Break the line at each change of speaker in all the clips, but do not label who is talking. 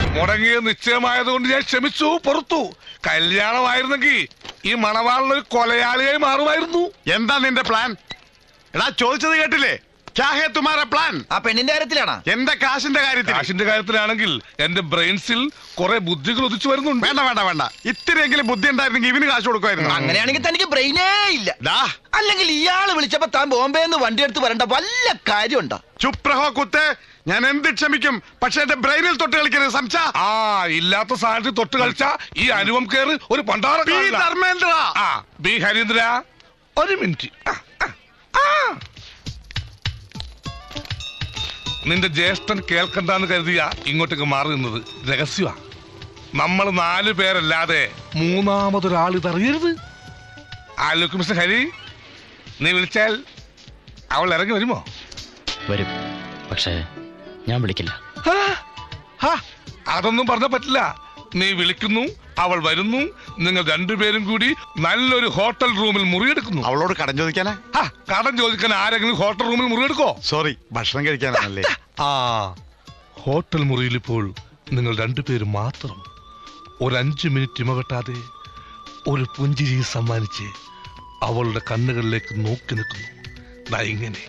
മുടങ്ങിയ നിശ്ചയമായതുകൊണ്ട് ഞാൻ ക്ഷമിച്ചു, പുറത്തു. കല്യാണമായിരുന്നെങ്കിൽ ഈ മണവാളിനൊരു കൊലയാളിയായി മാറുമായിരുന്നു.
എന്താ നിന്റെ പ്ലാൻ? എടാ ചോദിച്ചത് കേട്ടില്ലേ? പ്ലാൻ
ആ പെണ്ണിന്റെ കാര്യത്തിലാണോ?
എന്റെ കാശിന്റെ കാര്യത്തിൽ?
കാശിന്റെ കാര്യത്തിലാണെങ്കിൽ എന്റെ ബ്രെയിൻസിൽ കുറെ ബുദ്ധികൾ ഉദിച്ചു വരുന്നുണ്ട്.
വേണ്ട വേണ്ട വേണ്ട, ഇത്തിരിയെങ്കിലും ബുദ്ധി ഉണ്ടായിരുന്നെങ്കിൽ ഇവന് കാശ് കൊടുക്കുമായിരുന്നു.
അങ്ങനെയാണെങ്കിൽ തനിക്ക് ബ്രെയിനേ ഇല്ല. അല്ലെങ്കിൽ ഇയാള് വിളിച്ചപ്പോ താൻ ബോംബെ നിന്ന് വണ്ടി എടുത്ത് വരേണ്ട വല്ല കാര്യമുണ്ടോ?
ചുപ്രഹോ കുത്ത്, ഞാൻ എന്ത് ക്ഷമിക്കും, പക്ഷെ എന്റെ ബ്രെയിനിൽ തൊട്ട് കളിക്കരുത്. സംസാ
ഇല്ലാത്ത സാധനത്തിൽ തൊട്ട് കളിച്ച ഈ അനുപം കേറ് ഒരു പണ്ടാറ.
ധർമ്മേന്ദ്ര,
ബി ഹരീന്ദ്ര, ഒരു മിനിറ്റ്. നിന്റെ ജ്യേഷ്ഠൻ കേൾക്കണ്ടെന്ന് കരുതിയ ഇങ്ങോട്ടേക്ക് മാറി നിന്നത് രഹസ്യമാ. നമ്മൾ 4 പേരല്ലാതെ മൂന്നാമതൊരാൾ ഇതറിയരുത്. ആലോക്ക് മിസ്റ്റർ ഹരി, നീ വിളിച്ചാൽ അവൾ ഇറങ്ങി വരുമോ?
വരും, പക്ഷേ ഞാൻ വിളിക്കില്ല.
അതൊന്നും പറഞ്ഞ പറ്റില്ല. നീ വിളിക്കുന്നു, അവൾ വരുന്നു, നിങ്ങൾ 2 പേരും കൂടി നല്ലൊരു ഹോട്ടൽ റൂമിൽ മുറിയെടുക്കുന്നു.
അവളോട് കടം ചോദിക്കാനാ?
കടം ചോദിക്കാൻ ആരെങ്കിലും ഹോട്ടൽ റൂമിൽ മുറിയെടുക്കോ?
സോറി, ഭക്ഷണം കഴിക്കാനാണല്ലേ.
ഹോട്ടൽ മുറിയിൽ ഇപ്പോൾ നിങ്ങൾ 2 പേരും മാത്രം. ഒരു 5 മിനിറ്റ് ഇമവെട്ടാതെ ഒരു പുഞ്ചിരി സമ്മാനിച്ച് അവളുടെ കണ്ണുകളിലേക്ക് നോക്കി നിൽക്കുന്നു. ഇങ്ങനെ.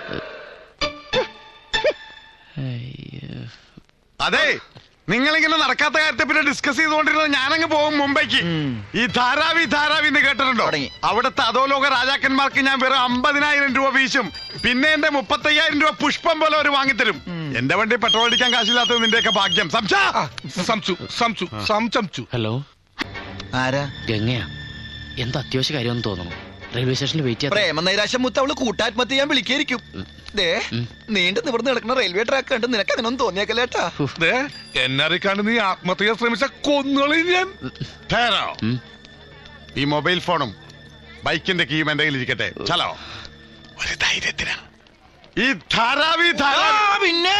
അതെ, നിങ്ങളിങ്ങനെ നടക്കാത്ത കാര്യത്തെ പിന്നെ ഡിസ്കസ് ചെയ്തുകൊണ്ടിരുന്നത് ഞാനങ്ങ് പോകും മുംബൈക്ക്. ഈ ധാരാവി എന്ന് കേട്ടിട്ടുണ്ടോ? അവിടുത്തെ അധോലോക രാജാക്കന്മാർക്ക് ഞാൻ വെറും 50,000 രൂപ വീശും. പിന്നെ എന്റെ 35,000 രൂപ പുഷ്പം പോലെ അവർ വാങ്ങിത്തരും. എന്റെ വണ്ടി പെട്രോൾ അടിക്കാൻ കാശില്ലാത്തത് നിന്റെയൊക്കെ ഭാഗ്യം.
ഹലോ,
ആരാ?
ഗംഗയാ. എന്താ അത്യാവശ്യ കാര്യമെന്ന് തോന്നുന്നു. റെയിൽവേ സ്റ്റേഷനിൽ വെയിറ്റ് ചെയ്യാം.
പ്രേമനൈരാശ്യം മുത്ത് അവള് കൂട്ടാത്മഹത്യ ചെയ്യാൻ വിളിക്കായിരിക്കും. നീണ്ടു നിവർന്ന് കിടക്കുന്ന റെയിൽവേ ട്രാക്ക് കണ്ട് നിനക്ക് അതിനൊന്നും തോന്നിയേക്കല്ലേട്ടാ?
എന്നെ അറിയിക്കാണ്ട് നീ ആത്മഹത്യ ശ്രമിച്ച കൊന്നുകളി ഞാൻ.
ഈ മൊബൈൽ ഫോണും ബൈക്കിന്റെ കീയും എന്റെ കയ്യിൽ ഇരിക്കട്ടെ. ചലോ, ഒരു ധൈര്യത്തിന്. ഈ ധാരാവി
പിന്നെ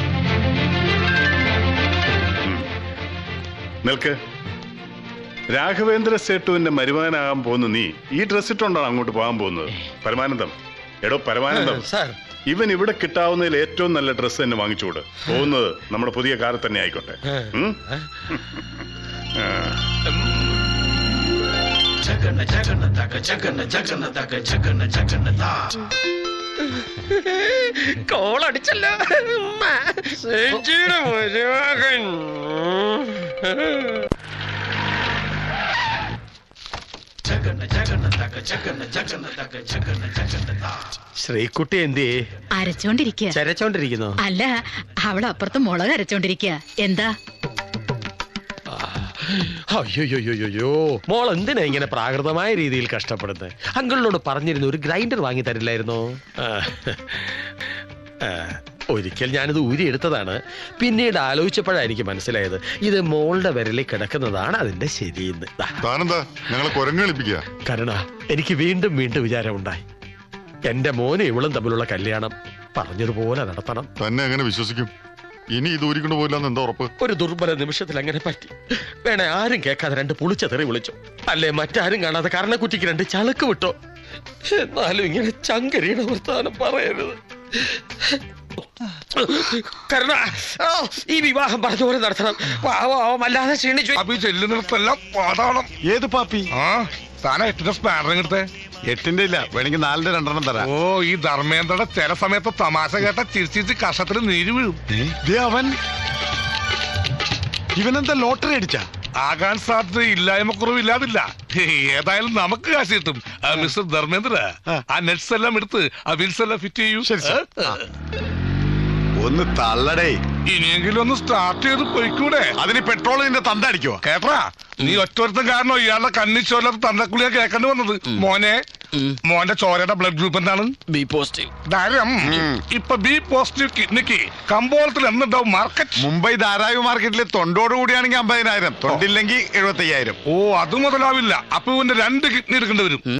നിൽക്ക്. രാഘവേന്ദ്ര സേട്ടുവിന്റെ മരുമാനാകാൻ പോകുന്നു നീ ഈ ഡ്രസ് ഇട്ടുകൊണ്ടാണ് അങ്ങോട്ട് പോകാൻ പോകുന്നത്. പരമാനന്ദം, എടോ പരമാനന്ദം, ഇവൻ ഇവിടെ കിട്ടാവുന്നതിൽ ഏറ്റവും നല്ല ഡ്രസ്സ് തന്നെ വാങ്ങിച്ചുകൂട്. പോകുന്നത് നമ്മുടെ പുതിയ കാറിൽ തന്നെ ആയിക്കോട്ടെ.
കോളടിച്ചല്ലോ.
ശ്രീകുട്ടി എന്തി
അരച്ചോണ്ടിരിക്കുക?
ചരച്ചോണ്ടിരിക്കുന്നു.
അല്ല, അവള് അപ്പുറത്ത് മുളക് അരച്ചോണ്ടിരിക്കുക. എന്താ?
അയ്യോയ്യോയ്യോ, മോൾ എന്തിനാ ഇങ്ങനെ പ്രാകൃതമായ രീതിയിൽ കഷ്ടപ്പെടുന്നത്? അങ്കിളിനോട് പറഞ്ഞിരുന്നു ഒരു ഗ്രൈൻഡർ വാങ്ങി തരില്ലായിരുന്നോ? ഒരിക്കൽ ഞാനിത് ഊരിയെടുത്തതാണ്. പിന്നീട് ആലോചിച്ചപ്പോഴാണ് എനിക്ക് മനസ്സിലായത് ഇത് മോളുടെ വിരലിൽ കിടക്കുന്നതാണ് അതിന്റെ ശരിയെന്ന്. കരുണ, എനിക്ക് വീണ്ടും വിചാരമുണ്ടായി. എന്റെ മോനും ഇവളും തമ്മിലുള്ള കല്യാണം പറഞ്ഞതുപോലെ നടത്തണം.
തന്നെ എങ്ങനെ വിശ്വസിക്കും? ഇനി ഇത് ഊരിക്കൊണ്ട് പോയില്ലെന്ന് എന്താ ഉറപ്പ്?
ഒരു ദുർബല നിമിഷത്തിൽ അങ്ങനെ പറ്റി. വേണേ ആരും കേൾക്കാതെ 2 പുളിച്ച തെറി വിളിച്ചു. അല്ലേ മറ്റാരും കാണാതെ കർണക്കുറ്റിക്ക് 2 ചളുക്ക് വിട്ടോ. എന്നാലും ഇങ്ങനെ ചങ്കരിയുടെ വർത്താനം പറയരുത്. കരുണ, ഈ വിവാഹം പറഞ്ഞുപോലെ നടത്തണം. അല്ലാതെ ക്ഷീണിച്ചു.
ചെല്ലുന്നിടത്തെല്ലാം പാതാളം.
ഏത് പാപ്പി?
താനാ 8ന്റെ സ്പാനറിങ് എടുത്തേ?
8ന്റെ ഇല്ല, വേണമെങ്കിൽ 4ന്റെ 2 തരാം.
ഈ ധർമ്മേന്ദ്രയുടെ ചില സമയത്ത് തമാശ കേട്ട ചിരിച്ചിരിച്ച് കഷത്തിൽ നീര് വീഴും.
അവൻ ഇവനെന്താ ലോട്ടറി അടിച്ച?
ആകാൻ സാധ്യത ഇല്ലായ്മക്കുറവില്ലാതില്ല. ഏതായാലും നമുക്ക് കാശ് കിട്ടും. മിസ്റ്റർ ധർമ്മേന്ദ്ര, ആ നെറ്റ്സ് എല്ലാം എടുത്ത് ആ വിൽസ് എല്ലാം ഫിറ്റ് ചെയ്യൂ.
ഒന്ന് തള്ളടേ.
ഇനിയെങ്കിലും ഒന്ന് സ്റ്റാർട്ട് ചെയ്ത് പോയിക്കൂടെ?
അതിന് പെട്രോൾ നിന്റെ തന്ത അടിക്കുവോ?
കേട്ടാ, നീ ഒറ്റൊരുത്തം കാരണം ഇയാളുടെ കണ്ണിച്ചോല്ലാത്ത തന്തക്കുളിയാ കേൾക്കേണ്ടി വന്നത്. മോന്റെ ചോരയുടെ ബ്ലഡ് ഗ്രൂപ്പ് എന്താണ്?
B positive.
ധാരം. ഇപ്പൊ ബി പോസിറ്റീവ് കിഡ്നിക്ക് കമ്പോളത്തിൽ എന്നുണ്ടാവും മാർക്കറ്റ്?
മുംബൈ ധാരാവി മാർക്കറ്റിൽ തൊണ്ടോട് കൂടിയാണെങ്കിൽ 50,000, തൊണ്ടില്ലെങ്കിൽ 75,000.
അത് മുതലാവില്ല. അപ്പൊ ഇവന്റെ 2 കിഡ്നി എടുക്കേണ്ടി വരും.